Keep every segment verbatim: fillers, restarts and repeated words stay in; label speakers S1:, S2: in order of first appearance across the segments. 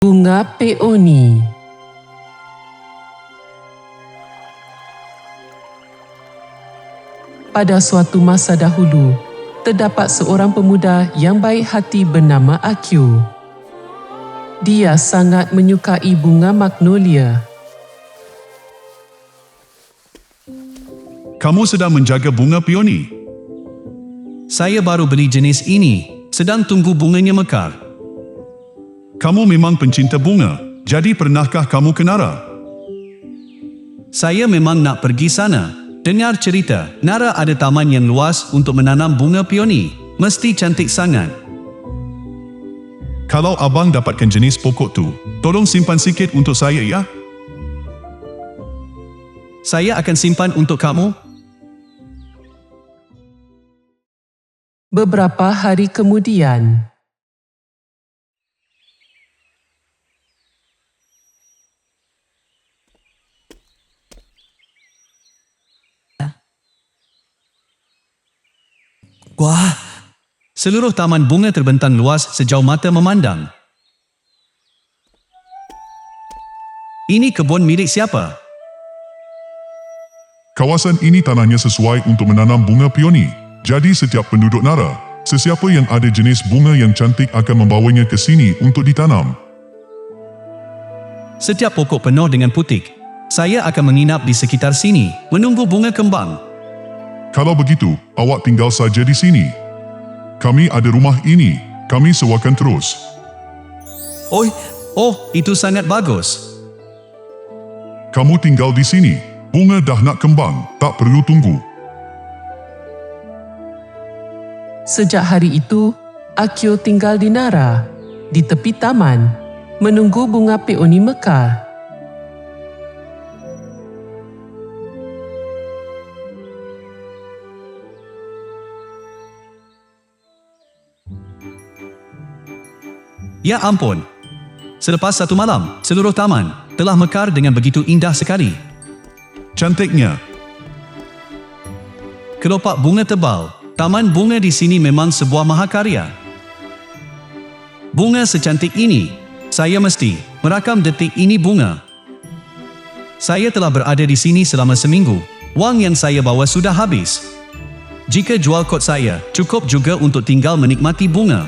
S1: Bunga peoni. Pada suatu masa dahulu, terdapat seorang pemuda yang baik hati bernama Akio. Dia sangat menyukai bunga magnolia.
S2: Kamu sedang menjaga bunga peoni?
S3: Saya baru beli jenis ini, sedang tunggu bunganya mekar.
S2: Kamu memang pencinta bunga, jadi pernahkah kamu ke Nara?
S3: Saya memang nak pergi sana. Dengar cerita, Nara ada taman yang luas untuk menanam bunga peoni. Mesti cantik sangat.
S2: Kalau abang dapatkan jenis pokok tu, tolong simpan sikit untuk saya ya.
S3: Saya akan simpan untuk kamu.
S1: Beberapa hari kemudian,
S3: Wah! Seluruh taman bunga terbentang luas sejauh mata memandang. Ini kebun milik siapa?
S4: Kawasan ini tanahnya sesuai untuk menanam bunga peoni. Jadi setiap penduduk Nara, sesiapa yang ada jenis bunga yang cantik akan membawanya ke sini untuk ditanam.
S3: Setiap pokok penuh dengan putik. Saya akan menginap di sekitar sini, menunggu bunga kembang.
S4: Kalau begitu, awak tinggal saja di sini. Kami ada rumah ini, kami sewakan terus.
S3: Oh, oh, itu sangat bagus.
S4: Kamu tinggal di sini, bunga dah nak kembang, tak perlu tunggu.
S1: sejak hari itu, Akio tinggal di Nara, di tepi taman, menunggu bunga peoni mekar.
S3: Ya ampun. Selepas satu malam, seluruh taman telah mekar dengan begitu indah sekali.
S2: Cantiknya.
S3: Kelopak bunga tebal. Taman bunga di sini memang sebuah mahakarya. Bunga secantik ini, saya mesti merakam detik ini bunga. Saya telah berada di sini selama seminggu. Wang yang saya bawa sudah habis. Jika jual kot saya, cukup juga untuk tinggal menikmati bunga.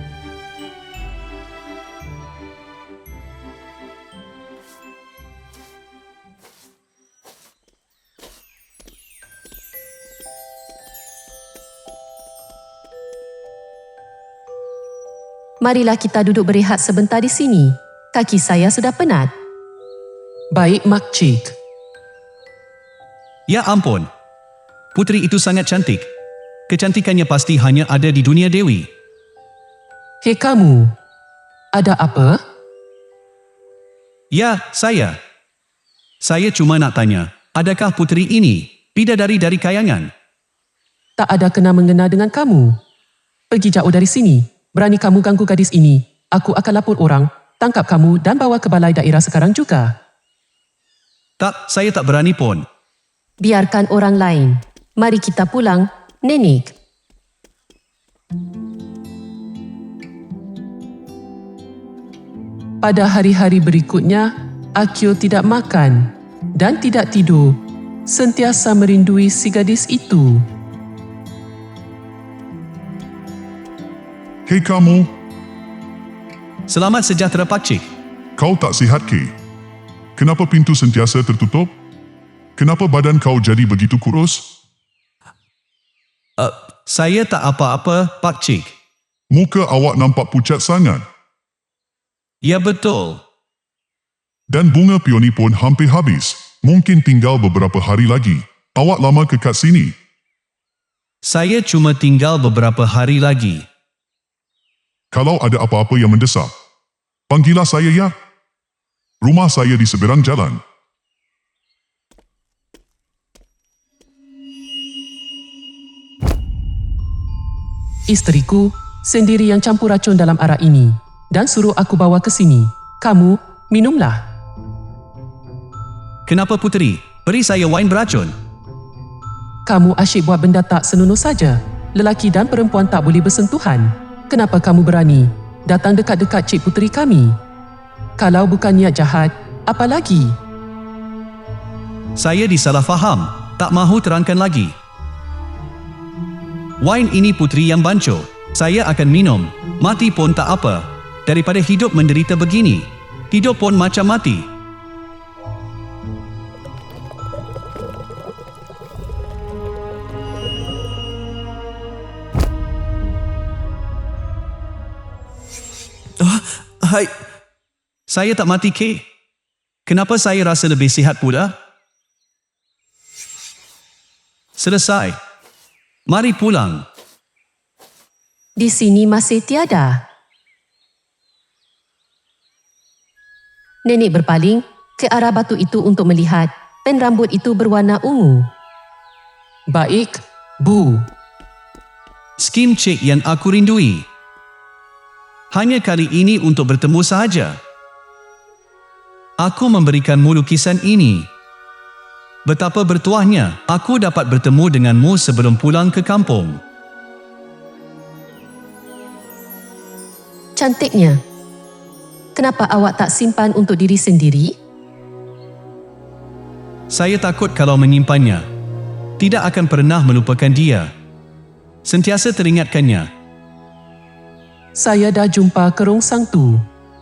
S5: Marilah kita duduk berehat sebentar di sini. Kaki saya sudah penat.
S1: Baik, Makcik.
S3: Ya ampun. Puteri itu sangat cantik. Kecantikannya pasti hanya ada di dunia dewi.
S1: Hei kamu, ada apa?
S3: Ya, saya. Saya cuma nak tanya, adakah puteri ini bidadari dari kayangan?
S1: Tak ada kena-mengena dengan kamu. Pergi jauh dari sini. Berani kamu ganggu gadis ini, aku akan lapor orang, tangkap kamu dan bawa ke balai daerah sekarang juga.
S3: Tak, saya tak berani pun.
S5: Biarkan orang lain. Mari kita pulang, Nenek.
S1: Pada hari-hari berikutnya, Akio tidak makan dan tidak tidur, sentiasa merindui si gadis itu.
S4: Hei kamu,
S3: Selamat sejahtera Pakcik.
S4: kau tak sihat ke? Kenapa pintu sentiasa tertutup? Kenapa badan kau jadi begitu kurus?
S3: Uh, saya tak apa-apa, Pakcik.
S4: Muka awak nampak pucat sangat.
S3: Ya betul.
S4: Dan bunga peoni pun hampir habis. Mungkin tinggal beberapa hari lagi. Awak lama kekal sini.
S3: Saya cuma tinggal beberapa hari lagi.
S4: Kalau ada apa-apa yang mendesak, panggillah saya ya. Rumah saya di seberang jalan.
S1: Isteriku sendiri yang campur racun dalam arak ini dan suruh aku bawa ke sini. Kamu, minumlah.
S3: Kenapa Puteri? Beri saya wain beracun.
S1: Kamu asyik buat benda tak senonoh saja. Lelaki dan perempuan tak boleh bersentuhan. Kenapa kamu berani datang dekat-dekat Cik Puteri kami? Kalau bukan niat jahat, apa lagi?
S3: Saya disalah faham. Tak mahu terangkan lagi. Wain ini puteri yang bancuh. Saya akan minum. Mati pun tak apa. Daripada hidup menderita begini. Hidup pun macam mati. Oh, hai. Saya tak mati, Kay. Kenapa saya rasa lebih sihat pula? Selesai. Mari pulang.
S5: Di sini masih tiada. Nenek berpaling ke arah batu itu untuk melihat pen rambut itu berwarna ungu.
S1: Baik, Bu.
S3: Skim cek yang aku rindui. Hanya kali ini untuk bertemu sahaja. Aku memberikanmu lukisan ini. Betapa bertuahnya aku dapat bertemu denganmu sebelum pulang ke kampung.
S5: Cantiknya. Kenapa awak tak simpan untuk diri sendiri?
S3: Saya takut kalau menyimpannya, tidak akan pernah melupakan dia. Sentiasa teringatkannya.
S1: Saya dah jumpa kerongsang tu.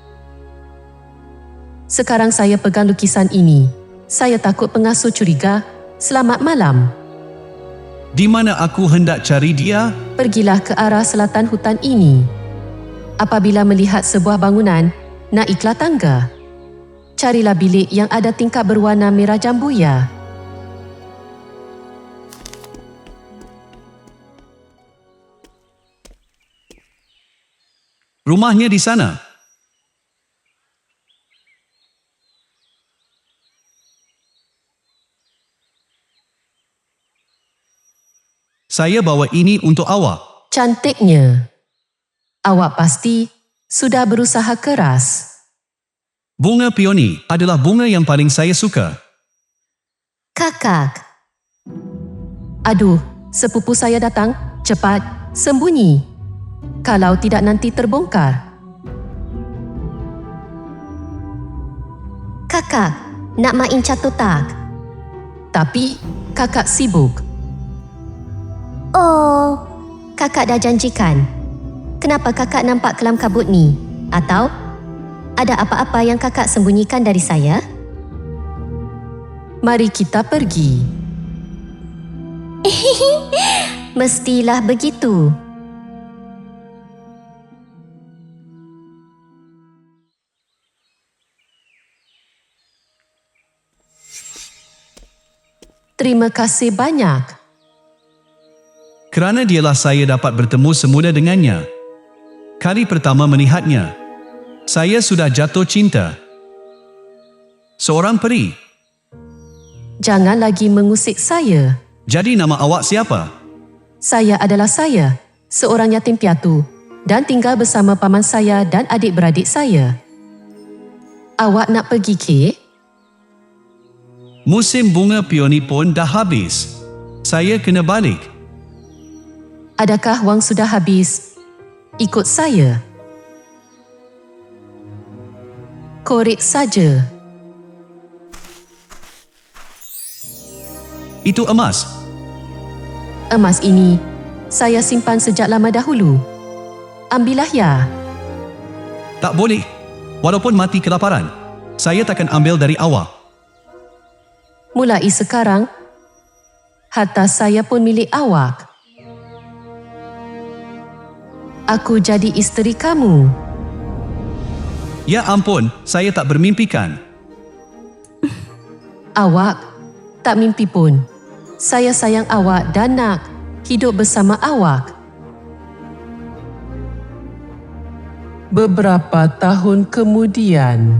S5: Sekarang saya pegang lukisan ini. Saya takut pengasuh curiga. Selamat malam.
S3: Di mana aku hendak cari dia?
S5: Pergilah ke arah selatan hutan ini. Apabila melihat sebuah bangunan, naiklah tangga. Carilah bilik yang ada tingkap berwarna merah jambuya.
S3: Rumahnya di sana. Saya bawa ini untuk awak.
S5: Cantiknya. Awak pasti sudah berusaha keras.
S3: Bunga peony adalah bunga yang paling saya suka.
S5: Kakak. Aduh, sepupu saya datang. Cepat, sembunyi. Kalau tidak nanti terbongkar. Kakak, nak main catur tak? Tapi, kakak sibuk. Oh, kakak dah janjikan. Kenapa kakak nampak kelam kabut ni? Atau ada apa-apa yang kakak sembunyikan dari saya?
S1: Mari kita pergi.
S5: Mestilah begitu.
S1: Terima kasih banyak.
S3: Kerana dialah saya dapat bertemu semula dengannya. Kali pertama melihatnya, saya sudah jatuh cinta. Seorang peri.
S5: Jangan lagi mengusik saya.
S3: Jadi nama awak siapa?
S5: Saya adalah saya, seorang yatim piatu dan tinggal bersama paman saya dan adik-beradik saya. Awak nak pergi ke?
S3: Musim bunga peony pun dah habis. Saya kena balik.
S5: Adakah wang sudah habis? Ikut saya. Korek saja.
S3: Itu emas.
S5: Emas ini saya simpan sejak lama dahulu. Ambillah ya.
S3: Tak boleh. Walaupun mati kelaparan, saya takkan ambil dari awak.
S5: Mulai sekarang, harta saya pun milik awak. Aku jadi isteri kamu.
S3: Ya ampun, saya tak bermimpikan.
S5: Awak tak mimpi pun. Saya sayang awak dan nak hidup bersama awak.
S1: Beberapa tahun kemudian,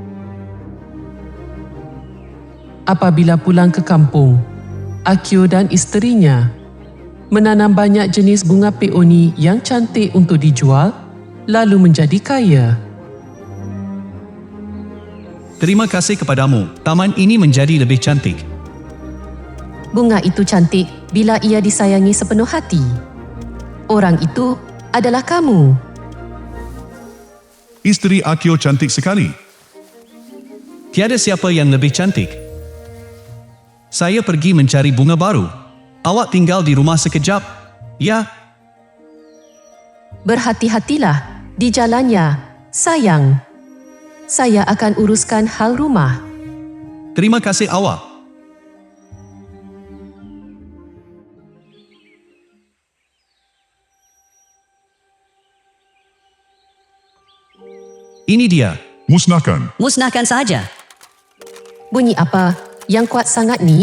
S1: apabila pulang ke kampung, Akio dan isterinya menanam banyak jenis bunga peony yang cantik untuk dijual, lalu menjadi kaya.
S3: Terima kasih kepadamu. Taman ini menjadi lebih cantik.
S5: Bunga itu cantik bila ia disayangi sepenuh hati. Orang itu adalah kamu.
S2: Isteri Akio cantik sekali.
S3: Tiada siapa yang lebih cantik. Saya pergi mencari bunga baru. Awak tinggal di rumah sekejap. Ya,
S5: Berhati-hatilah di jalannya, sayang. Saya akan uruskan hal rumah.
S3: terima kasih awak. Ini dia.
S4: Musnahkan.
S6: Musnahkan sahaja.
S5: Bunyi apa yang kuat sangat ni?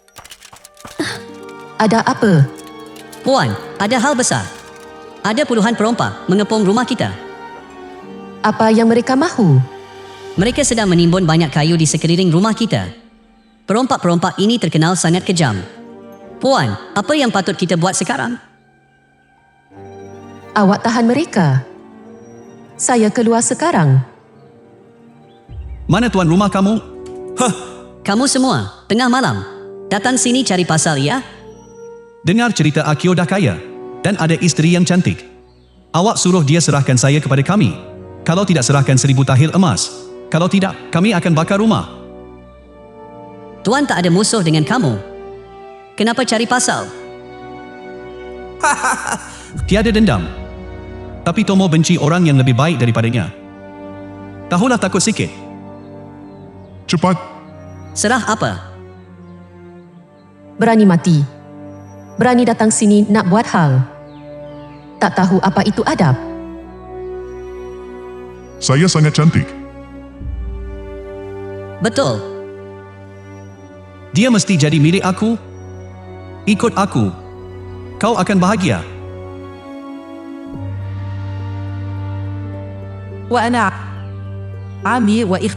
S5: Ada apa?
S6: Puan, ada hal besar. Ada puluhan perompak mengepung rumah kita.
S5: Apa yang mereka mahu?
S6: Mereka sedang menimbun banyak kayu di sekeliling rumah kita. Perompak-perompak ini terkenal sangat kejam. Puan, apa yang patut kita buat sekarang?
S5: Awak tahan mereka. Saya keluar sekarang.
S3: Mana tuan rumah kamu?
S6: Kamu semua, tengah malam. Datang sini cari pasal ya.
S3: Dengar cerita Akio dah kaya dan ada isteri yang cantik. Awak suruh dia serahkan saya kepada kami. Kalau tidak, serahkan seribu tahil emas. Kalau tidak, kami akan bakar rumah.
S6: Tuan tak ada musuh dengan kamu. Kenapa cari pasal?
S3: Tiada dendam. Tapi Tomo benci orang yang lebih baik daripadanya. Tahulah takut sikit.
S4: Cepat.
S6: Serah apa?
S5: Berani mati. Berani datang sini nak buat hal. Tak tahu apa itu adab.
S4: Saya sangat cantik.
S6: Betul.
S3: Dia mesti jadi milik aku. Ikut aku. Kau akan bahagia.
S7: وأنا عمي وإخ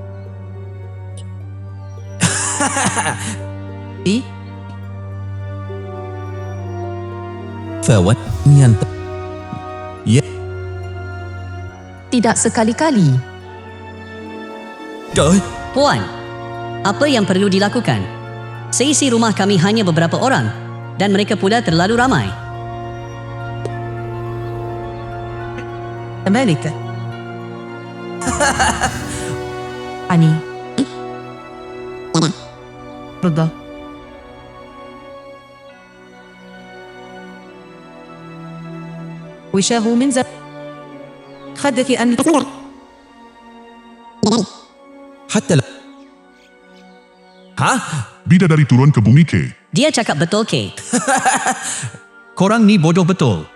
S8: فوتني أنت يا
S5: Tidak sekali-kali.
S8: trời
S6: Puan, apa yang perlu dilakukan? Seisi rumah kami hanya beberapa orang dan mereka pula terlalu ramai.
S7: مالك عني رضا وشاه من زب خدك أن
S8: حتى لا ها
S4: Bidadari turun ke bumi K.
S6: Dia cakap betul, Kay.
S3: Korang ni bodoh betul.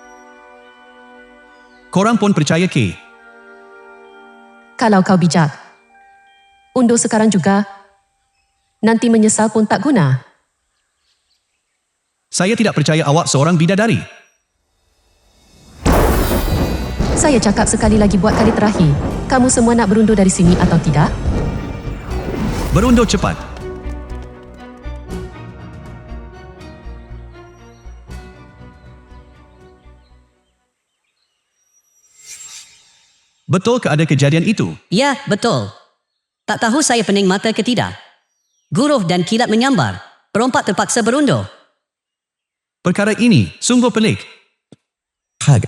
S3: Korang pun percaya ke?
S5: Kalau kau bijak. Undur sekarang juga. Nanti menyesal pun tak guna.
S3: Saya tidak percaya awak seorang bidadari.
S5: Saya cakap sekali lagi buat kali terakhir. Kamu semua nak berundur dari sini atau tidak?
S3: Berundur cepat. Betul ke ada kejadian itu?
S6: Ya, betul. Tak tahu saya pening mata ke tidak. Guruh dan kilat menyambar. Perompak terpaksa berundur.
S3: Perkara ini sungguh pelik.
S8: حاجة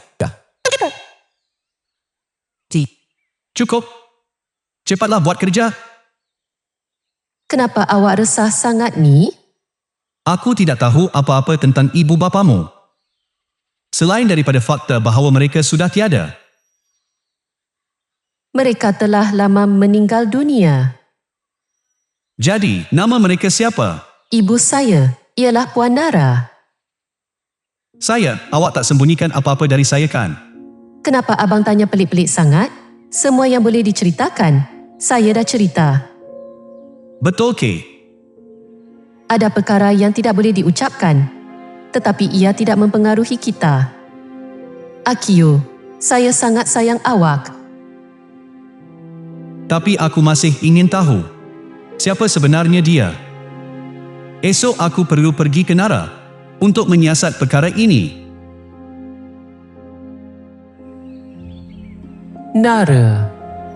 S3: Cukup. Cepatlah buat kerja.
S5: Kenapa awak resah sangat ni?
S3: Aku tidak tahu apa-apa tentang ibu bapamu. Selain daripada fakta bahawa mereka sudah tiada.
S5: Mereka telah lama meninggal dunia.
S3: Jadi, nama mereka siapa?
S5: Ibu saya ialah Puan Nara.
S3: Saya, awak tak sembunyikan apa-apa dari saya kan?
S5: Kenapa abang tanya pelik-pelik sangat? Semua yang boleh diceritakan, saya dah cerita.
S3: Betul ke?
S5: Ada perkara yang tidak boleh diucapkan, tetapi ia tidak mempengaruhi kita. Akio, saya sangat sayang awak.
S3: Tapi aku masih ingin tahu. Siapa sebenarnya dia? Esok aku perlu pergi ke Nara untuk menyiasat perkara ini.
S1: Nara.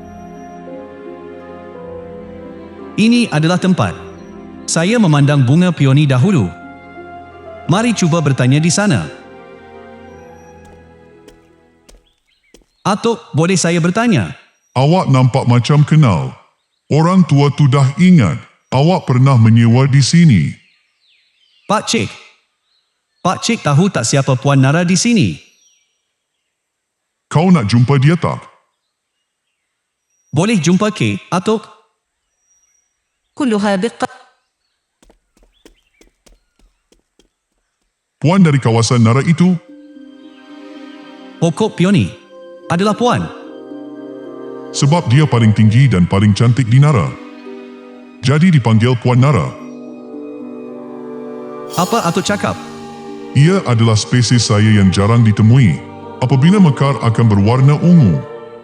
S3: Ini adalah tempat. Saya memandang bunga peoni dahulu. Mari cuba bertanya di sana. Atuk, boleh saya bertanya?
S4: Awak nampak macam kenal. Orang tua tu dah ingat, awak pernah menyewa di sini.
S3: Pak Cik. Pak Cik tahu tak siapa Puan Nara di sini?
S4: Kau nak jumpa dia tak?
S3: Boleh jumpa ke, Atuk?
S7: كلها بق
S4: Puan dari kawasan Nara itu?
S3: Pokok Peony adalah Puan.
S4: Sebab dia paling tinggi dan paling cantik di Nara. Jadi dipanggil Puan Nara.
S3: Apa Atuk cakap?
S4: Ia adalah spesies saya yang jarang ditemui. Apabila mekar akan berwarna ungu.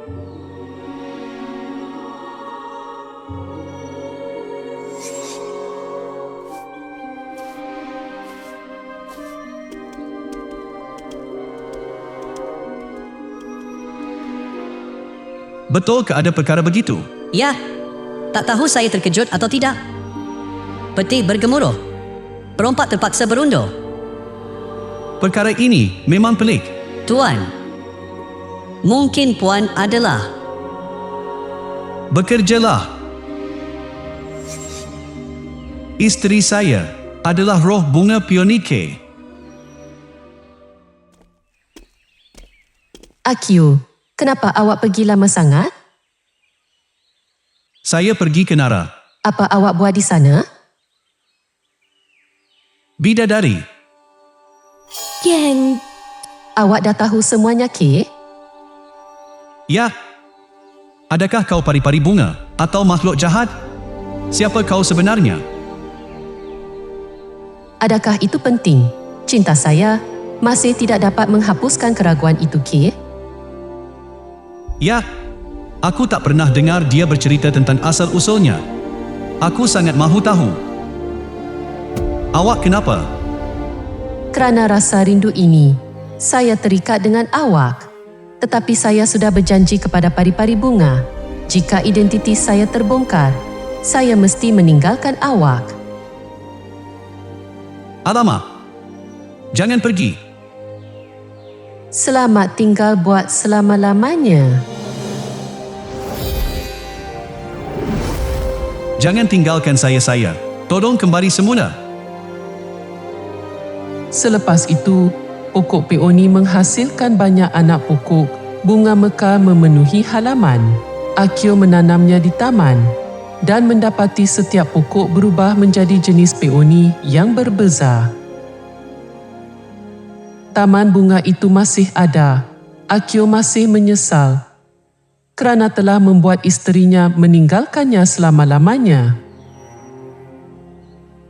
S3: Betul ke ada perkara begitu?
S6: Ya, tak tahu saya terkejut atau tidak. Peti bergemuruh. Perompak terpaksa berundur.
S3: Perkara ini memang pelik.
S6: Tuan, mungkin Puan adalah...
S3: Bekerjalah. Isteri saya adalah roh bunga Peonike.
S5: Akio, kenapa awak pergi lama sangat?
S3: Saya pergi ke Nara.
S5: Apa awak buat di sana?
S3: Bidadari.
S5: Geng. Awak dah tahu semuanya, Ke?
S3: Ya. Adakah kau pari-pari bunga atau makhluk jahat? Siapa kau sebenarnya?
S5: Adakah itu penting? Cinta saya masih tidak dapat menghapuskan keraguan itu, Ke?
S3: Ya. Aku tak pernah dengar dia bercerita tentang asal-usulnya. Aku sangat mahu tahu. Awak kenapa?
S5: Kerana rasa rindu ini, saya terikat dengan awak. Tetapi saya sudah berjanji kepada pari-pari bunga, jika identiti saya terbongkar, saya mesti meninggalkan awak.
S3: Alamak. Jangan pergi.
S5: Selamat tinggal buat selama-lamanya.
S3: Jangan tinggalkan saya-saya. Tolong kembali semula.
S1: Selepas itu, pokok peoni menghasilkan banyak anak pokok. Bunga mekar memenuhi halaman. Akio menanamnya di taman dan mendapati setiap pokok berubah menjadi jenis peoni yang berbeza. Taman bunga itu masih ada. Akio masih menyesal kerana telah membuat isterinya meninggalkannya selama-lamanya.